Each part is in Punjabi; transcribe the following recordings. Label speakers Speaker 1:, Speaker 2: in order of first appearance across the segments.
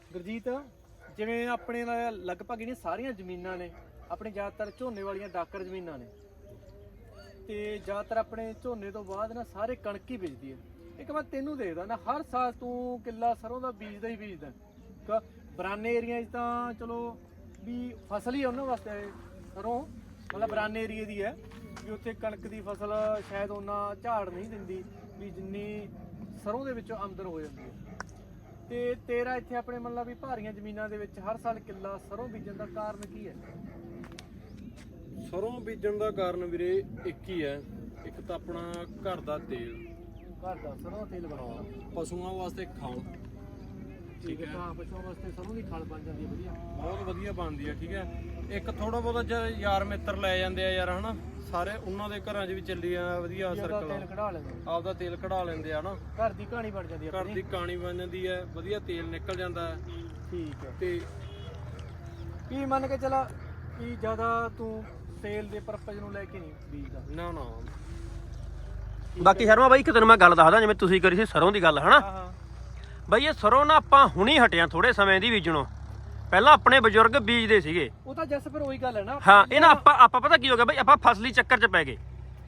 Speaker 1: ਗੁਰਜੀਤ ਜਿਵੇਂ ਆਪਣੇ ਨਾਲ ਲਗਭਗ ਜਿਹੜੀਆਂ ਸਾਰੀਆਂ ਜ਼ਮੀਨਾਂ ਨੇ ਆਪਣੇ ਜ਼ਿਆਦਾਤਰ ਝੋਨੇ ਵਾਲੀਆਂ ਡਾਕਰ ਜ਼ਮੀਨਾਂ ਨੇ ਤੇ ਜ਼ਿਆਦਾਤਰ ਆਪਣੇ ਝੋਨੇ ਤੋਂ ਬਾਅਦ ਨਾ ਸਾਰੇ ਕਣਕ ਹੀ ਬੀਜਦੀ ਹੈ। ਇੱਕ ਮੈਂ ਤੈਨੂੰ ਦੇਖਦਾ ਨਾ ਹਰ ਸਾਲ ਤੂੰ ਕਿੱਲਾ ਸਰੋਂ ਦਾ ਬੀਜਦਾ ਹੀ ਬੀਜਦਾ। ਬਰਾਨੇ ਏਰੀਆ 'ਚ ਤਾਂ ਚਲੋ ਵੀ ਫਸਲ ਹੀ ਉਹਨਾਂ ਵਾਸਤੇ ਸਰੋਂ ਮਤਲਬ ਬਰਾਨੇ ਏਰੀਏ ਦੀ ਹੈ ਵੀ ਉੱਥੇ ਕਣਕ ਦੀ ਫਸਲ ਸ਼ਾਇਦ ਉਹਨਾਂ ਝਾੜ ਨਹੀਂ ਦਿੰਦੀ ਵੀ ਜਿੰਨੀ ਸਰੋਂ ਦੇ ਵਿੱਚੋਂ ਆਮਦਨ ਹੋ ਜਾਂਦੀ ਹੈ। ਤੇ ਤੇਰਾ ਇੱਥੇ ਆਪਣੇ ਮਤਲਬ ਵੀ ਭਾਰੀਆਂ ਜ਼ਮੀਨਾਂ ਦੇ ਵਿੱਚ ਹਰ ਸਾਲ ਕਿੱਲਾ ਸਰੋਂ ਬੀਜਣ ਦਾ ਕਾਰਨ ਕੀ ਹੈ?
Speaker 2: ਸਰੋਂ ਬੀਜਣ ਦਾ ਕਾਰਨ ਵੀਰੇ ਇੱਕ ਹੀ ਹੈ, ਇੱਕ ਤਾਂ ਆਪਣਾ ਘਰ ਦਾ ਤੇਲ,
Speaker 1: ਘਰ ਦਾ ਸਰੋਂ ਤੇਲ ਬਣਾਉਣਾ,
Speaker 2: ਪਸ਼ੂਆਂ ਵਾਸਤੇ ਖਲ
Speaker 1: ਠੀਕ ਹੈ। ਹਾਂ ਪਸ਼ੂਆਂ ਵਾਸਤੇ ਸਰੋਂ ਦੀ ਖਲ ਬਣ ਜਾਂਦੀ ਹੈ ਵਧੀਆ,
Speaker 2: ਬਹੁਤ ਵਧੀਆ ਬਣਦੀ ਹੈ। ਠੀਕ ਹੈ, ਇੱਕ ਥੋੜਾ ਬਹੁਤਾ ਯਾਰ ਮਿੱਤਰ ਲੈ ਜਾਂਦੇ ਆ ਯਾਰ ਹਨਾ, ਸਾਰੇ ਉਹਨਾਂ ਦੇ ਘਰਾਂ 'ਚ ਵੀ ਚੱਲੀ ਆ ਵਧੀਆ ਸਰਕਲ,
Speaker 1: ਤੇਲ ਕਢਾ ਲੈਂਦੇ
Speaker 2: ਆਪਦਾ ਤੇਲ ਕਢਾ ਲੈਂਦੇ ਆ ਨਾ,
Speaker 1: ਘਰ ਦੀ ਕਹਾਣੀ ਬਣ ਜਾਂਦੀ ਹੈ,
Speaker 2: ਘਰ ਦੀ ਕਹਾਣੀ ਬਣ ਜਾਂਦੀ ਹੈ, ਵਧੀਆ ਤੇਲ ਨਿਕਲ ਜਾਂਦਾ ਹੈ।
Speaker 1: ਠੀਕ ਹੈ।
Speaker 2: ਤੇ
Speaker 1: ਕੀ ਮੰਨ ਕੇ ਚਲਾ ਕਿ ਜ਼ਿਆਦਾ ਤੂੰ ਤੇਲ ਦੇ ਪਰਪਸ ਨੂੰ ਲੈ ਕੇ ਨਹੀਂ ਬੀਜਦਾ?
Speaker 2: ਨਾ ਨਾ
Speaker 3: ਬਾਕੀ ਸ਼ਰਮਾ ਬਾਈ ਇੱਕ ਤੈਨੂੰ ਮੈਂ ਗੱਲ ਦੱਸਦਾ, ਜਿਵੇਂ ਤੁਸੀਂ ਕਰੀ ਸੀ ਸਰੋਂ ਦੀ ਗੱਲ ਹਨਾ
Speaker 1: ਹਾਂ
Speaker 3: ਬਾਈ, ਇਹ ਸਰੋਂ ਨਾ ਆਪਾਂ ਹੁਣੀ ਹਟਿਆ ਥੋੜੇ ਸਮੇਂ ਦੀ ਬੀਜਣੋਂ, ਪਹਿਲਾਂ ਆਪਣੇ ਬਜ਼ੁਰਗ ਬੀਜਦੇ ਸੀਗੇ।
Speaker 1: ਉਹ ਤਾਂ ਜਸ ਫਿਰ ਉਹੀ ਗੱਲ ਹੈ ਨਾ।
Speaker 3: ਹਾਂ ਇਹ ਨਾ ਆਪਾਂ ਪਤਾ ਕੀ ਹੋ ਗਿਆ ਬਾਈ, ਆਪਾਂ ਫਸਲੀ ਚੱਕਰ 'ਚ ਪੈ ਗਏ।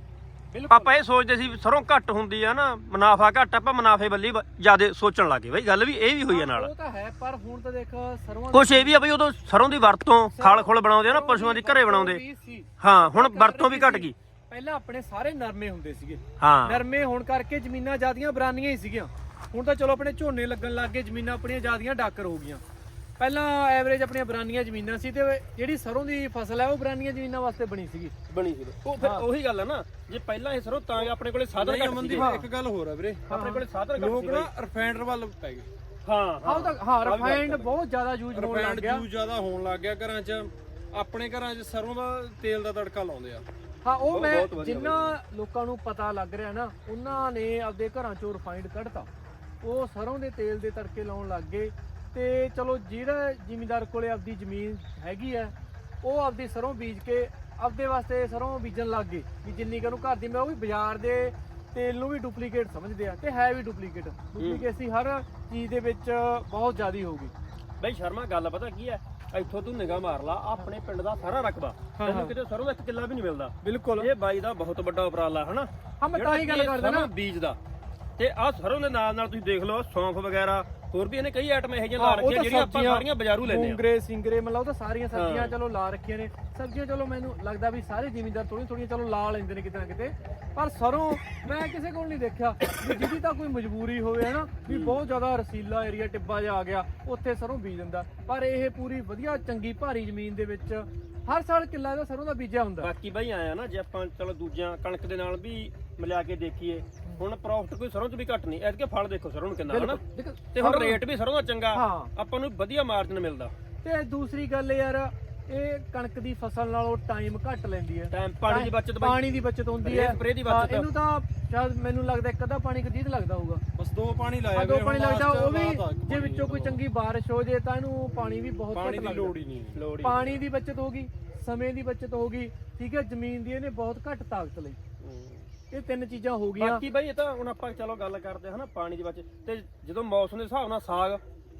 Speaker 3: ਆਪਾਂ ਇਹ ਸੋਚਦੇ ਸੀ ਸਰੋਂ ਘੱਟ ਹੁੰਦੀ ਆ ਨਾ, ਮੁਨਾਫਾ ਘੱਟ, ਆਪਾਂ ਮੁਨਾਫੇ ਵੱਲੀ ਜ਼ਿਆਦਾ ਸੋਚਣ ਲੱਗੇ ਬਾਈ, ਗੱਲ ਵੀ ਇਹ ਵੀ ਹੋਈ ਆ ਨਾਲ।
Speaker 1: ਉਹ ਤਾਂ ਹੈ ਪਰ ਹੁਣ ਤਾਂ ਦੇਖ ਸਰੋਂ
Speaker 3: ਕੁਛ ਇਹ ਵੀ ਆ ਬਈ, ਉਦੋਂ ਸਰੋਂ ਦੀ ਵਰਤੋਂ ਖਲ ਖੁਲ ਬਣਾਉਂਦੇ ਆ ਨਾ, ਪਸ਼ੂਆਂ ਦੀ ਘਰੇ ਬਣਾਉਂਦੇ। ਹਾਂ ਹੁਣ ਵਰਤੋਂ ਵੀ ਘਟ ਗਈ।
Speaker 1: ਪਹਿਲਾਂ ਆਪਣੇ ਸਾਰੇ ਨਰਮੇ ਹੁੰਦੇ ਸੀਗੇ,
Speaker 3: ਹਾਂ
Speaker 1: ਨਰਮੇ ਹੋਣ ਕਰਕੇ ਜ਼ਮੀਨਾਂ ਜ਼ਿਆਦੀਆਂ ਬਰਾਨੀਆਂ ਹੀ ਸੀਗੀਆਂ। ਹੁਣ ਤਾਂ ਚਲੋ ਆਪਣੇ ਝੋਨੇ ਲੱਗਣ ਲੱਗ ਗਏ, ਜ਼ਮੀਨਾਂ ਆਪਣੀਆਂ ਜ਼ਿਆਦੀਆਂ ਡਾਕਰ ਹੋ ਗਈਆਂ। ਪਹਿਲਾਂ ਐਵਰੇਜ ਆਪਣੀਆਂ ਬਰਾਨੀਆਂ ਜ਼ਮੀਨਾਂ ਸੀ ਤੇ ਜਿਹੜੀ ਸਰੋਂ ਦੀ ਫਸਲ ਹੈ ਉਹ ਬਰਾਨੀਆਂ ਜ਼ਮੀਨਾਂ ਵਾਸਤੇ ਬਣੀ ਸੀ।
Speaker 3: ਉਹ ਫਿਰ ਉਹੀ ਗੱਲ ਹੈ ਨਾ, ਜੇ ਪਹਿਲਾਂ ਇਹ ਸਰੋਂ ਤਾਂ ਆਪਣੇ ਕੋਲੇ ਸਾਧਨ ਘੱਟ ਸੀ।
Speaker 2: ਇੱਕ ਗੱਲ ਹੋਰ ਆ ਵੀਰੇ,
Speaker 3: ਆਪਣੇ ਕੋਲੇ ਸਾਧਨ ਘੱਟ
Speaker 2: ਲੋਕ
Speaker 3: ਸੀ
Speaker 2: ਨਾ ਰਿਫਾਈਨਰ ਵੱਲ ਪੈ ਗਏ।
Speaker 1: ਹਾਂ ਰਿਫਾਈਨਡ ਬਹੁਤ ਜ਼ਿਆਦਾ ਯੂਜ਼ ਹੋਣ ਲੱਗ
Speaker 2: ਰਿਫਾਈਨਡ
Speaker 1: ਗਿਆ।
Speaker 2: ਯੂਜ਼ ਜ਼ਿਆਦਾ ਹੋਣ ਲੱਗ ਗਿਆ ਘਰਾਂ 'ਚ। ਆਪਣੇ ਘਰਾਂ 'ਚ ਸਰੋਂ ਦਾ ਤੇਲ ਦਾ ਤੜਕਾ ਲਾਉਂਦੇ ਆ।
Speaker 1: ਹਾਂ ਉਹ ਮੈਂ ਜਿੰਨਾ ਲੋਕਾਂ ਨੂੰ ਪਤਾ ਲੱਗ ਰਿਹਾ ਨਾ, ਉਹਨਾਂ ਨੇ ਆਪਦੇ ਘਰਾਂ ਚੋਂ ਰਿਫਾਈਨਡ ਕੱਢਤਾ, ਉਹ ਸਰੋਂ ਦੇ ਤੇਲ ਦੇ ਤੜਕੇ ਲਾਉਣ ਲੱਗ ਗਏ। ਤੇ ਚਲੋ ਜਿਹੜਾ ਜ਼ਿਮੀਂਦਾਰ ਕੋਲੇ ਆਪਦੀ ਜ਼ਮੀਨ ਹੈਗੀ ਆ, ਉਹ ਆਪਦੀ ਸਰੋਂ ਬੀਜ ਕੇ ਆਪਦੇ ਵਾਸਤੇ ਸਰੋਂ ਬੀਜਣ ਲੱਗ ਗਏ ਵੀ ਜਿੰਨੀ ਕੁ ਨੂੰ ਘਰ ਦੀ। ਮੈਂ ਉਹ ਵੀ ਬਾਜ਼ਾਰ ਦੇ ਤੇਲ ਨੂੰ ਵੀ ਡੁਪਲੀਕੇਟ ਸਮਝਦੇ ਆ ਤੇ ਹੈ ਵੀ ਡੁਪਲੀਕੇਸੀ ਹਰ ਚੀਜ਼ ਦੇ ਵਿੱਚ ਬਹੁਤ ਜ਼ਿਆਦਾ ਹੋ ਗਈ।
Speaker 3: ਬਈ ਸ਼ਰਮਾ ਗੱਲ ਪਤਾ ਕੀ ਹੈ, ਇੱਥੋਂ ਤੂੰ ਨਿਗਾਹ ਮਾਰ ਲਾ, ਆਪਣੇ ਪਿੰਡ ਦਾ ਸਾਰਾ ਰਕਬਾ ਤੈਨੂੰ ਕਿਤੇ ਸਰੋਂ ਦਾ 1 ਕਿੱਲਾ ਵੀ ਨਹੀਂ ਮਿਲਦਾ।
Speaker 1: ਬਿਲਕੁਲ
Speaker 3: ਇਹ ਬਾਈ ਦਾ ਬਹੁਤ ਵੱਡਾ ਉਪਰਾਲਾ ਹਨਾ।
Speaker 1: ਹਾਂ ਮੈਂ ਤਾਂ ਹੀ ਗੱਲ ਕਰਦਾ ਨਾ
Speaker 3: ਬੀਜ ਦਾ। ਤੇ ਆਹ ਸਰੋਂ ਦੇ ਨਾਲ ਨਾਲ ਤੁਸੀਂ ਦੇਖ ਲਓ ਸੌਂਫ ਵਗੈਰਾ, ਹੋਰ ਵੀ ਇਹਨੇ ਕਈ ਆਈਟਮਾਂ ਇਹੋ ਜਿਹੀਆਂ ਲਾ ਰੱਖੀਆਂ ਜਿਹੜੀਆਂ ਆਪਾਂ ਸਾਰੀਆਂ ਬਾਜ਼ਾਰੂ ਲੈਂਦੇ ਆ।
Speaker 1: ਮੂੰਗਰੇ ਸਿੰਗਰੇ ਮਤਲਬ ਉਹ ਤਾਂ ਸਾਰੀਆਂ ਸਬਜ਼ੀਆਂ ਚਲੋ ਲਾ ਰੱਖੀਆਂ ਨੇ। ਸਬਜ਼ੀਆਂ ਚਲੋ ਮੈਨੂੰ ਲੱਗਦਾ ਵੀ ਸਾਰੇ ਜ਼ਿਮੀਂਦਾਰ ਥੋੜੀਆਂ ਚਲੋ ਲਾ ਲੈਂਦੇ ਨੇ ਕਿਤੇ ਨਾ ਕਿਤੇ, ਪਰ ਸਰੋਂ ਮੈਂ ਕਿਸੇ ਕੋਲ ਨਹੀਂ ਦੇਖਿਆ ਵੀ ਜਿਹਦੀ ਤਾਂ ਕੋਈ ਮਜਬੂਰੀ ਹੋਵੇ ਹਨਾ ਵੀ ਬਹੁਤ ਜ਼ਿਆਦਾ ਰਸੀਲਾ ਏਰੀਆ ਟਿੱਬਾ ਜਿਹਾ ਆ ਗਿਆ ਉੱਥੇ ਸਰੋਂ ਬੀਜ ਦਿੰਦਾ। ਪਰ ਇਹ ਪੂਰੀ ਵਧੀਆ ਚੰਗੀ ਭਾਰੀ ਜ਼ਮੀਨ ਦੇ ਵਿੱਚ ਹਰ ਸਾਲ ਕਿੱਲਾ ਦਾ ਸਰੋਂ ਦਾ ਬੀਜਿਆ ਹੁੰਦਾ।
Speaker 3: ਬਾਕੀ ਬਾਈ ਆਇਆ ਨਾ, ਜੇ ਆਪਾਂ ਚਲੋ ਦੂਜਿਆਂ ਕਣਕ ਦੇ ਨਾਲ ਵੀ ਮਿਲਾ ਕੇ ਦੇਖੀਏ, ਹੁਣ ਪ੍ਰੋਫਿਟ ਕੋਈ ਸਰੋਂ 'ਚ ਵੀ ਘੱਟ ਨਹੀਂ। ਐਤਕੇ ਫਲ ਦੇਖੋ ਸਰੋਂ ਨੂੰ ਕਿੰਨਾ ਹਨਾ, ਤੇ ਹੁਣ ਰੇਟ ਵੀ ਸਰੋਂ ਦਾ ਚੰਗਾ, ਆਪਾਂ ਨੂੰ ਵਧੀਆ ਮਾਰਜਨ ਮਿਲਦਾ।
Speaker 1: ਤੇ ਦੂਸਰੀ ਗੱਲ ਯਾਰ, ਇਹ ਕਣਕ ਦੀ ਫਸਲ ਨਾਲੋਂ ਟਾਈਮ ਘੱਟ ਲੈਂਦੀ ਹੈ।
Speaker 3: ਟਾਈਮ ਪਾਣੀ ਦੀ ਬਚਤ,
Speaker 1: ਪਾਣੀ ਦੀ ਬਚਤ ਹੁੰਦੀ ਹੈ,
Speaker 3: ਸਪਰੇ ਦੀ ਬਚਤ।
Speaker 1: ਇਹਨੂੰ ਤਾਂ ਸ਼ਾਇਦ ਮੈਨੂੰ ਲੱਗਦਾ ਇੱਕ ਅੱਧਾ ਪਾਣੀ ਕਦੀਦ ਲੱਗਦਾ ਹੋਊਗਾ,
Speaker 2: ਬਸ 2 ਪਾਣੀ ਲਾਇਆ
Speaker 1: 2 ਪਾਣੀ ਲੱਗਦਾ। ਉਹ ਵੀ ਜੇ ਵਿੱਚੋਂ ਕੋਈ ਚੰਗੀ ਬਾਰਿਸ਼ ਹੋ ਜੇ ਤਾਂ ਇਹਨੂੰ ਪਾਣੀ ਵੀ ਬਹੁਤ ਘੱਟ ਲੱਗਦਾ।
Speaker 2: ਲੋੜ ਹੀ ਨਹੀਂ।
Speaker 1: ਪਾਣੀ ਦੀ ਬਚਤ ਹੋਗੀ, ਸਮੇਂ ਦੀ ਬਚਤ ਹੋਗੀ, ਠੀਕ ਹੈ। ਜ਼ਮੀਨ ਦੀ ਇਹਨੇ ਬਹੁਤ ਘੱਟ ਤਾਕਤ ਲਈ। ਇਹ 3 ਚੀਜ਼ਾਂ ਹੋ ਗਈਆਂ।
Speaker 3: ਬਾਕੀ ਬਾਈ ਇਹ ਤਾਂ ਹੁਣ ਆਪਾਂ ਚਲੋ ਗੱਲ ਕਰਦੇ ਹਨਾ ਪਾਣੀ ਦੀ ਬਚਤ, ਤੇ ਜਦੋਂ ਮੌਸਮ ਦੇ ਹਿਸਾਬ ਨਾਲ ਸਾਗ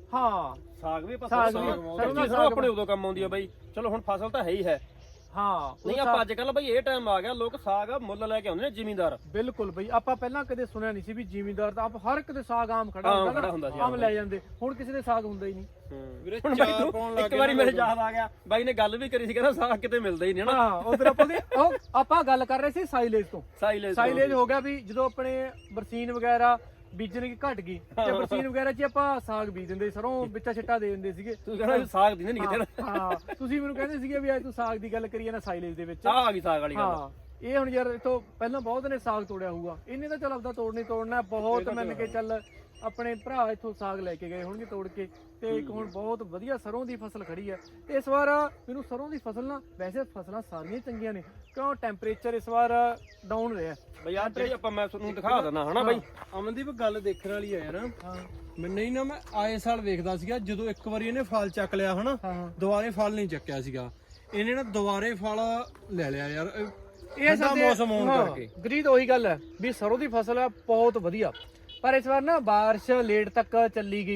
Speaker 3: ਵੀ ਆਪਾਂ ਆਪਣੇ ਉਦੋਂ ਕੰਮ ਆਉਂਦੀ ਆ ਬਾਈ। ਚਲੋ ਹੁਣ ਫਸਲ ਤਾਂ ਹੈ ਹੀ ਹੈ। ਨਹੀਂ ਆਪਾਂ ਅੱਜ ਕੱਲ ਬਾਈ ਇਹ ਟਾਈਮ ਆ ਗਿਆ, ਲੋਕ ਸਾਗ ਮੁੱਲ ਲੈ ਕੇ ਆਉਂਦੇ ਨੇ ਜ਼ਿਮੀਂਦਾਰ।
Speaker 1: ਬਿਲਕੁਲ ਬਈ, ਆਪਾਂ ਪਹਿਲਾਂ ਕਦੇ ਸੁਣਿਆ ਨਹੀਂ ਸੀ ਵੀ ਜ਼ਿਮੀਂਦਾਰ ਤਾਂ ਹਰ ਇੱਕ ਦੇ ਸਾਗ ਆਮ ਖੜਾ ਹੁੰਦਾ ਸੀ, ਆਮ ਲੈ ਜਾਂਦੇ। ਹੁਣ ਕਿਸੇ ਦੇ ਸਾਗ ਹੁੰਦਾ ਹੀ ਨਹੀਂ।
Speaker 3: ਹੁਣ ਬਾਈ ਤੂੰ ਇੱਕ ਵਾਰੀ ਮੇਰੇ ਯਾਦ ਆ ਗਿਆ, ਬਾਈ ਨੇ ਗੱਲ ਵੀ ਕਰੀ ਸੀ, ਕਹਿੰਦਾ ਸਾਗ ਕਿਤੇ ਮਿਲਦਾ ਹੀ ਨਹੀਂ ਹਨਾ।
Speaker 1: ਉਧਰ ਆਪਾਂ ਗੱਲ ਕਰ ਰਹੇ ਸੀ ਸਾਈਲੇਜ ਤੋਂ। ਸਾਈਲੇਜ ਹੋ ਗਿਆ ਵੀ ਜਦੋਂ ਆਪਣੇ ਬਰਸੀਨ ਵਗੈਰਾ ਬੀਜਣ ਕੀ ਘਟ ਗਈ ਤੇ ਬਰਸੀਨ ਵਗੈਰਾ 'ਚ ਆਪਾਂ ਸਾਗ ਬੀਜ ਦਿੰਦੇ, ਸਰੋਂ ਵਿੱਚਾ ਛਿੱਟਾ ਦੇ ਦਿੰਦੇ ਸੀਗੇ।
Speaker 3: ਤੂੰ ਕਹਿੰਦਾ ਸਾਗ ਦੀ ਨਹੀਂ ਕਿਤੇ।
Speaker 1: ਹਾਂ ਤੁਸੀਂ ਮੈਨੂੰ ਕਹਿੰਦੇ ਸੀਗੇ ਵੀ ਅੱਜ ਤੂੰ ਸਾਗ ਦੀ ਗੱਲ ਕਰੀਏ ਨਾ ਸਾਈਲੇਜ ਦੇ ਵਿੱਚ।
Speaker 3: ਆ ਗਈ ਸਾਗ ਵਾਲੀ ਗੱਲ।
Speaker 1: ਇਹ ਹੁਣ ਯਾਰ ਇਥੋਂ ਪਹਿਲਾਂ ਬਹੁਤ ਨੇ ਸਾਗ ਤੋੜਿਆ ਹੋਊਗਾ, ਇਹਨੇ ਤਾਂ ਚੱਲ ਆਪਦਾ ਤੋੜਨਾ ਬਹੁਤ ਮੰਨ ਕੇ ਚੱਲ। ਆਪਣੇ ਭਰਾ ਇੱਥੋਂ ਸਾਗ ਲੈ ਕੇ ਗਏ ਹੋਣਗੇ ਤੋੜ ਕੇ, ਤੇ ਇੱਕ ਹੁਣ ਬਹੁਤ ਵਧੀਆ ਸਰੋਂ ਦੀ ਫਸਲ ਖੜੀ ਹੈ। ਤੇ ਇਸ ਵਾਰ ਮੈਨੂੰ ਸਰੋਂ ਦੀ ਫਸਲ ਨਾ, ਵੈਸੇ ਫਸਲਾਂ ਸਾਰੀਆਂ ਚੰਗੀਆਂ ਨੇ, ਕਿਉਂ ਟੈਂਪਰੇਚਰ ਇਸ ਵਾਰ ਡਾਊਨ ਰਿਹਾ
Speaker 3: ਬਈ। ਆ ਜਿਹੜੀ ਆਪਾਂ ਮੈਂ ਤੁਹਾਨੂੰ ਦਿਖਾ ਦਿੰਦਾ ਹਨਾ ਬਾਈ।
Speaker 2: ਅਮਨਦੀਪ ਗੱਲ ਦੇਖਣ ਵਾਲੀ ਆ ਯਾਰ। ਮੈਨੂੰ ਹੀ ਨਾ, ਮੈਂ ਆਏ ਸਾਲ ਵੇਖਦਾ ਸੀਗਾ, ਜਦੋਂ ਇੱਕ ਵਾਰੀ ਇਹਨੇ ਫਲ ਚੱਕ ਲਿਆ ਹਨਾ, ਦੁਬਾਰੇ ਫਲ ਨਹੀਂ ਚੱਕਿਆ ਸੀਗਾ ਇਹਨੇ ਨਾ, ਦੁਬਾਰੇ ਫਲ ਲੈ ਲਿਆ ਯਾਰ। ਇਹ ਮੌਸਮ ਹੋਣ ਕਰਕੇ
Speaker 1: ਗਰੀਦ ਉਹੀ ਗੱਲ ਹੈ ਵੀ ਸਰੋਂ ਦੀ ਫਸਲ ਹੈ ਬਹੁਤ ਵਧੀਆ, ਪਰ ਇਸ ਵਾਰ ਨਾ ਬਾਰਿਸ਼ ਲੇਟ ਤੱਕ ਚੱਲੀ ਗਈ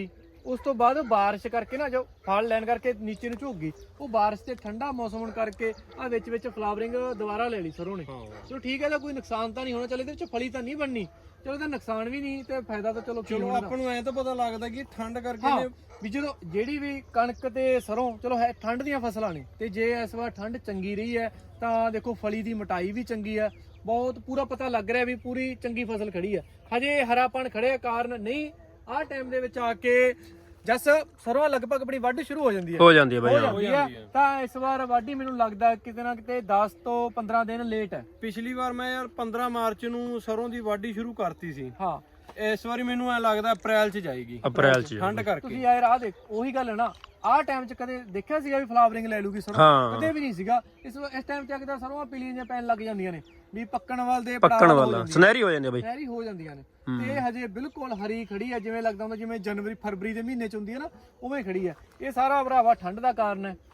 Speaker 1: ਉਸ ਤੋਂ ਬਾਅਦ ਬਾਰਿਸ਼ ਕਰਕੇ ਨਾ ਜੋ ਫਲ ਲੈਣ ਕਰਕੇ ਨੀਚੇ ਨੂੰ ਝੁੱਕ ਗਈ, ਉਹ ਬਾਰਿਸ਼ ਤੇ ਠੰਡਾ ਮੌਸਮ ਹੋਣ ਕਰਕੇ ਆ ਵਿੱਚ ਫਲਾਵਰਿੰਗ ਦੁਬਾਰਾ ਲੈ ਲਈ ਸਰੋਂ ਨੇ। ਚਲੋ ਠੀਕ ਹੈ, ਤਾਂ ਕੋਈ ਨੁਕਸਾਨ ਤਾਂ ਨਹੀਂ ਹੋਣਾ, ਚਲੋ ਇਹਦੇ ਵਿੱਚ ਫਲੀ ਤਾਂ ਨਹੀਂ ਬਣਨੀ, ਚਲੋ ਇਹਦਾ ਨੁਕਸਾਨ ਵੀ ਨਹੀਂ ਤੇ ਫਾਇਦਾ ਤਾਂ ਚਲੋ
Speaker 2: ਆਪਾਂ ਨੂੰ ਐ ਤਾਂ ਪਤਾ ਲੱਗਦਾ ਕਿ ਠੰਡ ਕਰਕੇ
Speaker 1: ਹਾਂ ਵੀ ਜਦੋਂ ਜਿਹੜੀ ਵੀ ਕਣਕ ਤੇ ਸਰੋਂ ਚਲੋ ਹੈ ਠੰਡ ਦੀਆਂ ਫਸਲਾਂ ਨੇ, ਤੇ ਜੇ ਇਸ ਵਾਰ ਠੰਡ ਚੰਗੀ ਰਹੀ ਹੈ ਤਾਂ ਦੇਖੋ ਫਲੀ ਦੀ ਮੋਟਾਈ ਵੀ ਚੰਗੀ ਹੈ, ਬਹੁਤ ਪੂਰਾ ਪਤਾ ਲੱਗ ਰਿਹਾ ਵੀ ਪੂਰੀ ਚੰਗੀ ਫਸਲ ਖੜੀ ਹੈ। ਹਜੇ ਹਰਾਪਣ ਖੜੇ ਕਾਰਨ ਨਹੀਂ, ਆਹ ਟਾਈਮ ਦੇ ਵਿੱਚ ਆ ਕੇ ਜਸ ਸਰੋਂ ਲਗਭਗ ਆਪਣੀ ਵਾਢੀ ਸ਼ੁਰੂ ਹੋ ਜਾਂਦੀ ਹੈ ਬਾਈ। ਤਾਂ ਇਸ ਵਾਰ ਵਾਢੀ ਮੈਨੂੰ ਲੱਗਦਾ ਕਿਤੇ ਨਾ ਕਿਤੇ 10 ਤੋਂ 15 ਦਿਨ ਲੇਟ ਹੈ।
Speaker 2: ਪਿਛਲੀ ਵਾਰ ਮੈਂ ਯਾਰ 15 ਮਾਰਚ ਨੂੰ ਸਰੋਂ ਦੀ ਵਾਢੀ ਸ਼ੁਰੂ ਕਰਤੀ ਸੀ।
Speaker 1: ਹਾਂ
Speaker 2: ਇਸ ਵਾਰੀ ਮੈਨੂੰ ਐ ਲੱਗਦਾ ਅਪ੍ਰੈਲ 'ਚ ਜਾਏਗੀ,
Speaker 4: ਅਪ੍ਰੈਲ 'ਚ
Speaker 2: ਠੰਡ ਕਰਕੇ।
Speaker 1: ਤੁਸੀਂ ਯਾਰ ਆਹ ਦੇਖ ਉਹੀ ਗੱਲ ਹੈ ਨਾ, ਆਹ ਟਾਈਮ 'ਚ ਕਦੇ ਦੇਖਿਆ ਸੀਗਾ ਵੀ ਫਲਾਵਰਿੰਗ ਲੈ ਲੂਗੀ ਸਰੋਂ? ਕਦੇ ਵੀ ਨਹੀਂ ਸੀਗਾ। ਇਸ ਟਾਈਮ 'ਚ ਆ ਕੇ ਤਾਂ ਸਰੋਂ ਪੀਲੀਆਂ ਜਿਹੀਆਂ ਪੈਣ ਲੱਗ ਜਾਂਦੀਆਂ ਨੇ, ਵੀ ਪੱਕਣ ਵਾਲੇ
Speaker 4: ਸੁਨਹਿਰੀ ਹੋ ਜਾਂਦੀ ਹੈ ਬਾਈ,
Speaker 1: ਸੁਨਹਿਰੀ ਹੋ ਜਾਂਦੀਆਂ ਨੇ। ਤੇ ਇਹ ਹਜੇ ਬਿਲਕੁਲ ਹਰੀ ਖੜੀ ਹੈ, ਜਿਵੇਂ ਲੱਗਦਾ ਹੁੰਦਾ ਜਿਵੇਂ ਜਨਵਰੀ ਫਰਵਰੀ ਦੇ ਮਹੀਨੇ 'ਚ ਹੁੰਦੀ ਹੈ ਨਾ, ਉਵੇਂ ਖੜੀ ਹੈ। ਇਹ ਸਾਰਾ ਭਰਾਵਾ ਠੰਡ ਦਾ ਕਾਰਨ ਹੈ।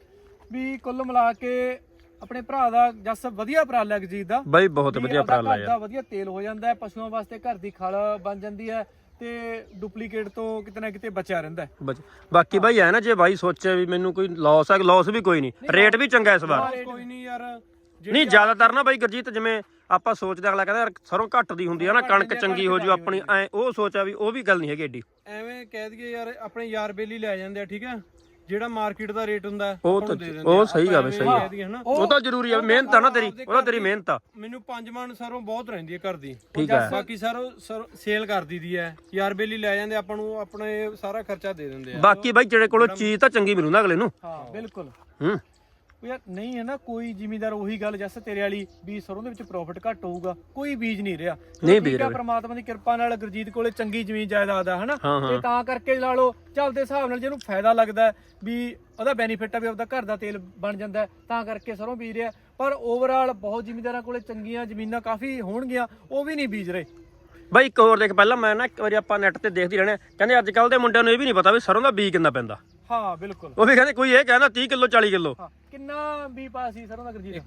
Speaker 1: ਵੀ ਕੁੱਲ ਮਿਲਾ ਕੇ ਆਪਣੇ ਭਰਾ ਦਾ ਜਸ ਵਧੀਆ ਉਪਰਾਲਾ ਗਜੀਤ ਦਾ
Speaker 4: ਬਾਈ, ਬਹੁਤ ਵਧੀਆ ਉਪਰਾਲਾ
Speaker 1: ਯਾਰ। ਵਧੀਆ ਤੇਲ ਹੋ ਜਾਂਦਾ ਹੈ, ਪਸ਼ੂਆਂ ਵਾਸਤੇ ਘਰ ਦੀ ਖਲ ਬਣ ਜਾਂਦੀ ਹੈ, ਤੇ ਡੁਪਲੀਕੇਟ ਤੋਂ ਕਿਤੇ ਨਾ ਕਿਤੇ ਬਚਿਆ ਰਹਿੰਦਾ।
Speaker 4: ਬਾਕੀ ਬਾਈ ਹੈ ਨਾ, ਜੇ ਬਾਈ ਸੋਚੇ ਵੀ ਮੈਨੂੰ ਕੋਈ ਲਾਸ ਹੈ, ਲਾਸ ਵੀ ਕੋਈ ਨਹੀਂ, ਰੇਟ ਵੀ ਚੰਗਾ ਇਸ ਵਾਰ।
Speaker 2: ਕੋਈ ਨਹੀਂ ਯਾਰ,
Speaker 4: ਨਹੀਂ ਜ਼ਿਆਦਾਤਰ ਨਾ ਬਾਈ ਗੁਰਜੀਤ, ਜਿਵੇਂ ਆਪਾਂ ਸੋਚਦੇ ਅਗਲਾ ਕਹਿੰਦਾ ਯਾਰ ਸਰੋਂ ਘੱਟ ਦੀ ਹੁੰਦੀ ਹੈ ਨਾ, ਕਣਕ ਚੰਗੀ ਹੋ ਜੂ ਆਪਣੀ, ਐ ਉਹ ਸੋਚਿਆ ਵੀ ਉਹ ਵੀ ਗੱਲ ਨਹੀਂ ਹੈਗੀ ਏਡੀ।
Speaker 2: ਐਵੇਂ ਕਹਿ ਦਈਏ ਯਾਰ, ਆਪਣੇ ਯਾਰ ਬੇਲੀ ਲੈ ਜਾਂਦੇ ਆ, ਠੀਕ ਹੈ, ਜਿਹੜਾ ਮਾਰਕੀਟ ਦਾ ਰੇਟ ਹੁੰਦਾ
Speaker 4: ਉਹ ਸਹੀ ਆ ਬਈ, ਸਹੀ ਆ, ਉਹ ਤਾਂ ਜ਼ਰੂਰੀ ਆ, ਮਿਹਨਤ ਆ ਨਾ ਤੇਰੀ, ਉਹ ਤਾਂ ਤੇਰੀ ਮਿਹਨਤ ਆ।
Speaker 2: ਮੈਨੂੰ 5 ਮਣ ਸਰੋਂ ਬਹੁਤ ਰਹਿੰਦੀ ਹੈ ਘਰ ਦੀ,
Speaker 4: ਠੀਕ ਹੈ।
Speaker 2: ਬਾਕੀ ਸਰੋਂ ਸੇਲ ਕਰ ਦਈਦੀ ਹੈ, ਯਾਰ ਬੇਲੀ ਲੈ ਜਾਂਦੇ, ਆਪਾਂ ਨੂੰ ਆਪਣੇ ਸਾਰਾ ਖਰਚਾ ਦੇ ਦਿੰਦੇ ਆ।
Speaker 4: ਬਾਕੀ ਬਾਈ ਜਿਹੜੇ ਕੋਲੋਂ ਚੀਜ਼ ਤਾਂ ਚੰਗੀ ਮਿਲੂ ਨਾ ਅਗਲੇ ਨੂੰ।
Speaker 1: ਹਾਂ ਬਿਲਕੁਲ।
Speaker 4: ਹੂੰ
Speaker 1: ਯਾਰ ਨਹੀਂ ਹੈ ਨਾ, ਕੋਈ ਜ਼ਿਮੀਂਦਾਰ ਉਹੀ ਗੱਲ ਜੱਸ ਤੇਰੇ ਵਾਲੀ ਵੀ ਸਰੋਂ ਦੇ ਵਿੱਚ ਪ੍ਰੋਫਿਟ ਘੱਟ ਹੋਊਗਾ, ਕੋਈ ਬੀਜ ਨਹੀਂ ਰਿਹਾ।
Speaker 4: ਨਹੀਂ ਬੀਜ ਰਿਹਾ,
Speaker 1: ਪ੍ਰਮਾਤਮਾ ਦੀ ਕਿਰਪਾ ਨਾਲ ਗੁਰਜੀਤ ਕੋਲੇ ਚੰਗੀ ਜ਼ਮੀਨ ਜਾਇਦਾਦ ਆ ਹਨਾ, ਤੇ ਤਾਂ ਕਰਕੇ ਲਾ ਲਓ ਚੱਲਦੇ ਹਿਸਾਬ ਨਾਲ ਜਿਹਨੂੰ ਫਾਇਦਾ ਲੱਗਦਾ ਵੀ ਉਹਦਾ ਬੈਨੀਫਿਟ ਆ ਵੀ ਆਪਦਾ ਘਰ ਦਾ ਤੇਲ ਬਣ ਜਾਂਦਾ, ਤਾਂ ਕਰਕੇ ਸਰੋਂ ਬੀਜ ਰਿਹਾ। ਪਰ ਓਵਰਆਲ ਬਹੁਤ ਜ਼ਿਮੀਂਦਾਰਾਂ ਕੋਲੇ ਚੰਗੀਆਂ ਜ਼ਮੀਨਾਂ ਕਾਫੀ ਹੋਣਗੀਆਂ, ਉਹ ਵੀ ਨਹੀਂ ਬੀਜ ਰਹੇ।
Speaker 4: ਬਾਈ ਇੱਕ ਹੋਰ ਦੇਖ, ਪਹਿਲਾਂ ਮੈਂ ਨਾ ਇੱਕ ਵਾਰੀ ਆਪਾਂ ਨੈਟ ਤੇ ਦੇਖਦੇ ਰਹਿਣੇ, ਕਹਿੰਦੇ ਅੱਜ ਕੱਲ ਦੇ ਮੁੰਡਿਆਂ ਨੂੰ ਇਹ ਵੀ ਨਹੀਂ ਪਤਾ ਵੀ ਸਰੋਂ ਦਾ ਬੀਜ ਕਿੰਨਾ ਪੈਂਦਾ।
Speaker 1: ਹਾਂ ਬਿਲਕੁਲ,
Speaker 4: ਉਹ ਵੀ ਕਹਿੰਦੇ ਕੋਈ ਇਹ ਕਹਿੰਦਾ 30 ਕਿਲੋ 40 ਕਿਲੋ।
Speaker 1: ਕਿੰਨਾ ਵੀ ਪਾ ਸੀ ਸਰੋਂ ਦਾ ਗੁਰਜੀਤ?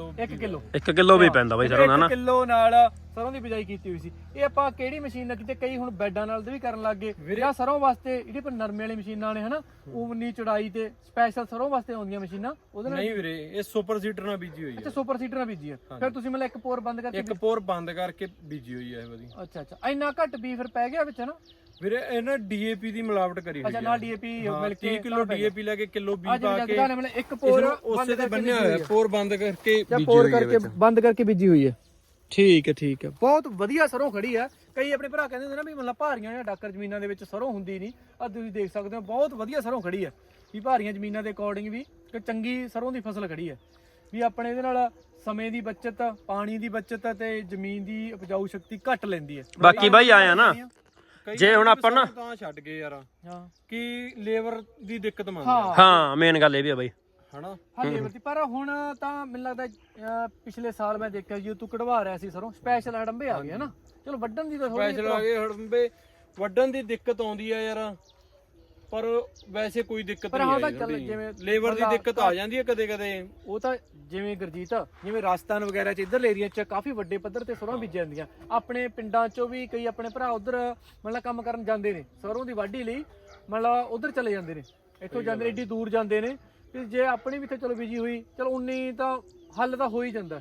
Speaker 4: 1 ਕਿਲੋ ਵੀ ਪੈਂਦਾ ਬਾਈ ਸਰੋਂ ਦਾ ਨਾ।
Speaker 1: 1 ਕਿਲੋ ਨਾਲ ਸਰੋਂ ਦੀ ਬਿਜਾਈ ਕੀਤੀ ਹੋਈ ਸੀ। ਇਹ ਆਪਾਂ ਕਿਹੜੀ ਮਸ਼ੀਨ ਨਾਲ ਕਿਤੇ, ਕਈ ਹੁਣ ਬੈਡਾਂ ਨਾਲ ਵੀ ਕਰਨ ਲੱਗ ਗਏ ਜਾਂ ਸਰੋਂ ਵਾਸਤੇ ਜਿਹੜੇ ਪਰ ਨਰਮੇ ਵਾਲੀ ਮਸ਼ੀਨਾਂ ਨੇ ਹਨਾ, ਉਨੀ ਚੜਾਈ ਤੇ ਸਪੈਸ਼ਲ ਸਰੋਂ ਵਾਸਤੇ ਆਉਂਦੀਆਂ ਮਸ਼ੀਨਾਂ, ਉਹਦੇ ਨਾਲ
Speaker 2: ਨਹੀਂ ਵੀਰੇ, ਇਹ ਸੁਪਰ ਸੀਡਰ ਨਾਲ ਬੀਜੀ ਹੋਈ ਹੈ।
Speaker 1: ਅੱਛਾ ਸੁਪਰ ਸੀਡਰ ਨਾਲ ਬੀਜੀ ਹੈ, ਫਿਰ ਤੁਸੀਂ ਮਤਲਬ ਇੱਕ ਪੋਰ ਬੰਦ ਕਰਕੇ,
Speaker 2: ਇੱਕ ਪੋਰ ਬੰਦ ਕਰਕੇ ਬੀਜੀ ਹੋਈ ਹੈ ਇਹ ਵਾਲੀ।
Speaker 1: ਅੱਛਾ ਇੰਨਾ ਘੱਟ ਵੀ ਫਿਰ ਪੈ ਗਿਆ ਵਿੱਚ ਨਾ
Speaker 2: ਵੀਰੇ? ਇਹਨਾਂ ਡੀਏਪੀ ਦੀ ਮਿਲਾਵਟ ਕਰੀ ਹੋਈ ਹੈ।
Speaker 1: ਅੱਛਾ ਨਾਲ ਡੀਏਪੀ ਮਿਲ ਕੇ
Speaker 2: 30 ਕਿਲੋ ਡੀਏਪੀ ਲੈ ਕੇ ਕਿਲੋ ਬੀਜ ਪਾ ਕੇ
Speaker 1: ਮਤਲਬ ਇੱਕ ਪੋਰ
Speaker 2: ਉਸੇ ਤੇ ਬੰਨਿਆ ਹੋਇਆ, ਪੋਰ ਬੰਦ ਕਰਕੇ ਬੀਜੀ
Speaker 1: ਪੋਰ
Speaker 2: ਹੋਈ ਹੈ,
Speaker 1: ਕਰਕੇ ਬੰਦ ਕਰਕੇ ਬੀਜੀ ਹੋਈ ਹੈ। ਠੀਕ ਹੈ, ਬਹੁਤ ਵਧੀਆ ਸਰੋਂ ਖੜੀ ਹੈ। ਕਈ ਆਪਣੇ ਭਰਾ ਕਹਿੰਦੇ ਹੁੰਦੇ ਨਾ ਵੀ ਮਤਲਬ ਭਾਰੀਆਂ ਜਾਂ ਡਾਕਰ ਜ਼ਮੀਨਾਂ ਦੇ ਵਿੱਚ ਸਰੋਂ ਹੁੰਦੀ ਨਹੀਂ, ਆ ਤੁਸੀਂ ਦੇਖ ਸਕਦੇ ਹੋ ਬਹੁਤ ਵਧੀਆ ਸਰੋਂ ਖੜੀ ਹੈ। ਵੀ ਭਾਰੀਆਂ ਜ਼ਮੀਨਾਂ ਦੇ ਅਕੋਰਡਿੰਗ ਵੀ ਇੱਕ ਚੰਗੀ ਸਰੋਂ ਦੀ ਫਸਲ ਖੜੀ ਹੈ। ਵੀ ਆਪਣੇ ਇਹਦੇ ਨਾਲ ਸਮੇਂ ਦੀ ਬਚਤ, ਪਾਣੀ ਦੀ ਬਚਤ ਤੇ ਜ਼ਮੀਨ ਦੀ ਉਪਜਾਊ ਸ਼ਕਤੀ ਘੱਟ ਲੈਂਦੀ ਹੈ।
Speaker 4: ਬਾਕੀ ਬਾਈ ਆਇਆ ਨਾ, ਜੇ ਹੁਣ ਆਪਾਂ ਨਾ
Speaker 2: ਤਾਂ ਛੱਡ ਗਏ ਯਾਰ,
Speaker 1: ਹਾਂ
Speaker 2: ਕਿ ਲੇਬਰ ਦੀ ਦਿੱਕਤ ਮੰਨਦੇ
Speaker 4: ਹਾਂ ਮੇਨ ਗੱਲ ਇਹ ਵੀ ਆ ਬਾਈ
Speaker 2: ਹਨਾ।
Speaker 1: ਹਾਂ ਲੇਬਰ ਦੀ, ਪਰ ਹੁਣ ਤਾਂ ਮੈਨੂੰ ਲੱਗਦਾ ਪਿਛਲੇ ਸਾਲ ਮੈਂ ਦੇਖਿਆ ਜੀ ਤੂੰ ਕਢਵਾ ਰਿਹਾ ਸੀ ਸਰੋਂ, ਸਪੈਸ਼ਲ ਹੜੰਬੇ ਆ ਗਏ ਨਾ, ਚਲੋ ਵੱਢਣ ਦੀ ਤਾਂ
Speaker 2: ਸਪੈਸ਼ਲ ਆ ਗਏ ਹੜੰਬੇ, ਵੱਢਣ ਦੀ ਦਿੱਕਤ ਆਉਂਦੀ ਆ ਯਾਰ, ਪਰ ਵੈਸੇ ਕੋਈ ਦਿੱਕਤ ਨਹੀਂ ਆਈ।
Speaker 1: ਜਿਵੇਂ
Speaker 2: ਲੇਬਰ ਦੀ ਦਿੱਕਤ ਆ ਜਾਂਦੀ ਹੈ ਕਦੇ ਕਦੇ,
Speaker 1: ਉਹ ਤਾਂ ਜਿਵੇਂ ਗੁਰਜੀਤ ਜਿਵੇਂ ਰਾਜਸਥਾਨ ਵਗੈਰਾ ਚ ਇਧਰਲੇ ਏਰੀਆ ਚ ਕਾਫੀ ਵੱਡੇ ਪੱਧਰ ਤੇ ਸਰੋਂ ਬੀਜੀਆਂ ਜਾਂਦੀਆਂ। ਆਪਣੇ ਪਿੰਡਾਂ ਚੋਂ ਵੀ ਕਈ ਆਪਣੇ ਭਰਾ ਉਧਰ ਮਤਲਬ ਕੰਮ ਕਰਨ ਜਾਂਦੇ ਨੇ ਸਰੋਂ ਦੀ ਵਾਢੀ ਲਈ, ਮਤਲਬ ਉਧਰ ਚਲੇ ਜਾਂਦੇ ਨੇ, ਇੱਥੋਂ ਜਾਂਦੇ ਨੇ ਏਡੀ ਦੂਰ ਜਾਂਦੇ ਨੇ। ਤੇ ਜੇ ਆਪਣੀ ਵੀ ਇੱਥੇ ਚਲੋ ਬੀਜੀ ਹੋਈ, ਚਲੋ ਉਨੀ ਤਾਂ ਹੱਲ ਤਾਂ ਹੋ ਹੀ ਜਾਂਦਾ,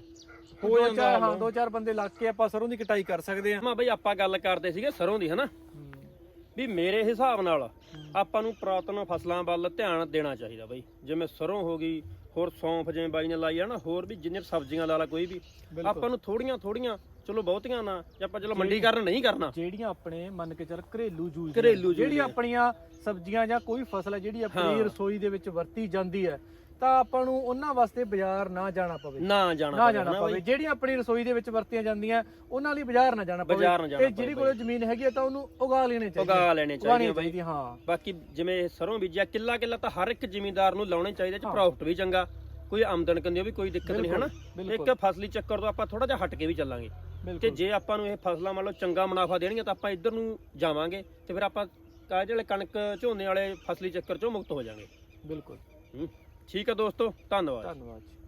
Speaker 1: ਹਾਂ 2-4 ਬੰਦੇ ਲੱਗ ਕੇ ਆਪਾਂ ਸਰੋਂ ਦੀ ਕਟਾਈ ਕਰ ਸਕਦੇ ਆ।
Speaker 3: ਮੈਂ ਬਈ ਆਪਾਂ ਗੱਲ ਕਰਦੇ ਸੀਗੇ ਸਰੋਂ ਦੀ ਹਨਾ, ਵੀ ਮੇਰੇ ਹਿਸਾਬ ਨਾਲ ਆਪਾਂ ਨੂੰ ਪੁਰਾਤਨ ਫਸਲਾਂ ਵੱਲ ਧਿਆਨ ਦੇਣਾ ਚਾਹੀਦਾ ਬਈ, ਜਿਵੇਂ ਸਰੋਂ ਹੋ ਗਈ, ਹੋਰ ਸੌਂਫ ਜਿਵੇਂ ਬਾਈ ਨੇ ਲਾਈ ਆ ਨਾ, ਹੋਰ ਵੀ ਜਿੰਨੇ ਸਬਜ਼ੀਆਂ ਲਾ ਲਾ ਕੋਈ ਵੀ, ਆਪਾਂ ਨੂੰ ਥੋੜੀਆਂ ਚਲੋ ਬਹੁਤੀਆਂ ਨਾ, ਜੇ ਆਪਾਂ ਚਲੋ ਮੰਡੀਕਰਨ ਨਹੀਂ ਕਰਨਾ,
Speaker 1: ਜਿਹੜੀਆਂ ਆਪਣੇ ਮੰਨ ਕੇ ਚੱਲ ਘਰੇਲੂ ਯੂਜ਼
Speaker 3: ਜਿਹੜੀ
Speaker 1: ਆਪਣੀਆਂ ਸਬਜ਼ੀਆਂ ਜਾਂ ਕੋਈ ਫਸਲ ਹੈ ਜਿਹੜੀ ਆਪਣੀ ਰਸੋਈ ਦੇ ਵਿੱਚ ਵਰਤੀ ਜਾਂਦੀ ਹੈ, ਤਾਂ ਆਪਾਂ ਨੂੰ ਉਹਨਾਂ ਵਾਸਤੇ ਬਾਜ਼ਾਰ ਨਾ ਜਾਣਾ ਪਵੇ,
Speaker 3: ਨਾ ਜਾਣਾ
Speaker 1: ਪਵੇ। ਜਿਹੜੀਆਂ ਆਪਣੀ ਰਸੋਈ ਦੇ ਵਿੱਚ ਵਰਤੀਆਂ ਜਾਂਦੀਆਂ ਉਹਨਾਂ ਲਈ ਬਾਜ਼ਾਰ ਨਾ ਜਾਣਾ ਪਵੇ, ਤੇ ਜਿਹੜੀ ਕੋਲ ਜ਼ਮੀਨ ਹੈਗੀ ਤਾਂ ਉਹਨੂੰ ਉਗਾ ਲੈਣੇ ਚਾਹੀਦੇ। ਹਾਂ
Speaker 3: ਬਾਕੀ ਜਿਵੇਂ ਸਰੋਂ ਬੀਜਿਆ ਕਿੱਲਾ ਤਾਂ ਹਰ ਇੱਕ ਜ਼ਿਮੀਂਦਾਰ ਨੂੰ ਲਾਉਣੇ ਚਾਹੀਦੇ, ਚ ਪ੍ਰੋਫਿਟ ਵੀ ਚੰਗਾ, ਕੋਈ ਆਮਦਨ ਕੰਦੀ ਵੀ ਕੋਈ ਦਿੱਕਤ ਨਹੀਂ ਹਨਾ। ਇੱਕ ਫਸਲੀ ਚੱਕਰ ਤੋਂ ਆਪਾਂ ਥੋੜਾ ਜਿਹਾ ਹਟ ਕੇ ਵੀ ਚੱਲਾਂਗੇ, ਤੇ ਜੇ ਆਪਾਂ ਨੂੰ ਇਹ ਫਸਲਾਂ ਮੰਨ ਲਓ ਚੰਗਾ ਮੁਨਾਫਾ ਦੇਣਗੀਆਂ ਤਾਂ ਆਪਾਂ ਇੱਧਰ ਨੂੰ ਜਾਵਾਂਗੇ, ਤੇ ਫਿਰ ਆਪਾਂ ਜਿਹੜੇ ਕਣਕ ਝੋਨੇ ਵਾਲੇ ਫਸਲੀ ਚੱਕਰ ਚੋਂ ਮੁਕਤ ਹੋ ਜਾਵਾਂਗੇ।
Speaker 1: ਬਿਲਕੁਲ
Speaker 3: ਠੀਕ ਹੈ ਦੋਸਤੋ, ਧੰਨਵਾਦ।